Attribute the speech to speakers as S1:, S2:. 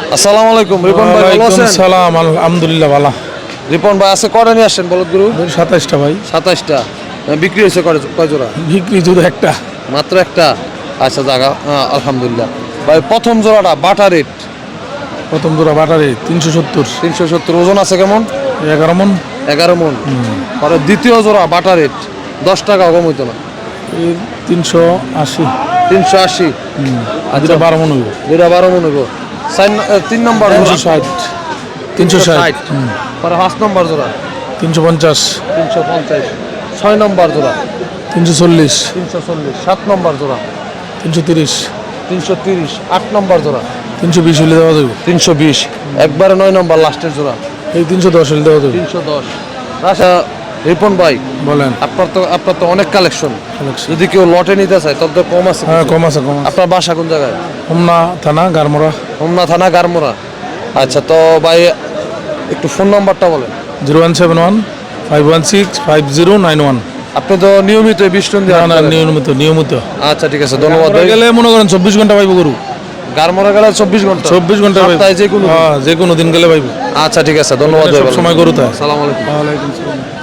S1: আসসালামু আলাইকুম রিপন ভাই, ভালো আছেন?
S2: সালাম, আলহামদুলিল্লাহ ভালো।
S1: রিপন ভাই আছে কয়টা নিয়ে আসছেন বলদ গরু?
S2: 27টা ভাই।
S1: 27টা। বিক্রি হয়েছে কয় জোড়া?
S2: বিক্রি শুধু একটা।
S1: মাত্র একটা। আচ্ছা জায়গা, আলহামদুলিল্লাহ। ভাই প্রথম জোড়াটা বাটা রেট
S2: প্রথম জোড়া বাটারে 370।
S1: 370। ওজন আছে কেমন?
S2: 11 মন।
S1: 11 মন। পরে দ্বিতীয় জোড়া বাটা রেট 10 টাকা কম হইতো না?
S2: 380।
S1: 380।
S2: দুটা 12 মন হইব।
S1: দুইটা 12 মন হইব। 3 নম্বর জোড়া
S2: 360। 360।
S1: পরে 5 নম্বর জোড়া
S2: 350।
S1: 350। 6 নম্বর জোড়া
S2: 340।
S1: 340। 7 নম্বর জোড়া
S2: 330।
S1: 330। 8 নম্বর জোড়া
S2: 320 হলে দেওয়া যাবে।
S1: 320। একবারে 9 নম্বর লাস্টের জোড়া
S2: এই 310 হলে দেওয়া যাবে।
S1: 310। আচ্ছা রিপন ভাই,
S2: বলেন।
S1: আপনার তো অনেক কালেকশন। যদি কেউ লটে নিতে চায় তত তো কম আছে?
S2: হ্যাঁ, কম আছে, কম আছে।
S1: আপনার বাসা কোন জায়গায়?
S2: হোমনা থানা, গারমোড়া।
S1: হোমনা থানা, গারমোড়া। আচ্ছা তো ভাই একটু ফোন নাম্বারটা বলেন।
S2: 0171 516 5091।
S1: আপনি তো নিয়মিত বিষ্ণু দিয়ে
S2: না, নিয়মিত।
S1: আচ্ছা ঠিক আছে, ধন্যবাদ ভাই।
S2: গেলে মনে করেন 24 ঘন্টা পাইব গরু।
S1: গারমোড়া গেলে 24 ঘন্টা?
S2: 24 ঘন্টা পাইব।
S1: সপ্তাহে যে কোনো?
S2: হ্যাঁ, যে কোনো দিন গেলে পাইব।
S1: আচ্ছা ঠিক আছে, ধন্যবাদ ভাই।
S2: সব সময় গরু তাই।
S1: আসসালামু আলাইকুম।
S2: ওয়ালাইকুম আসসালাম।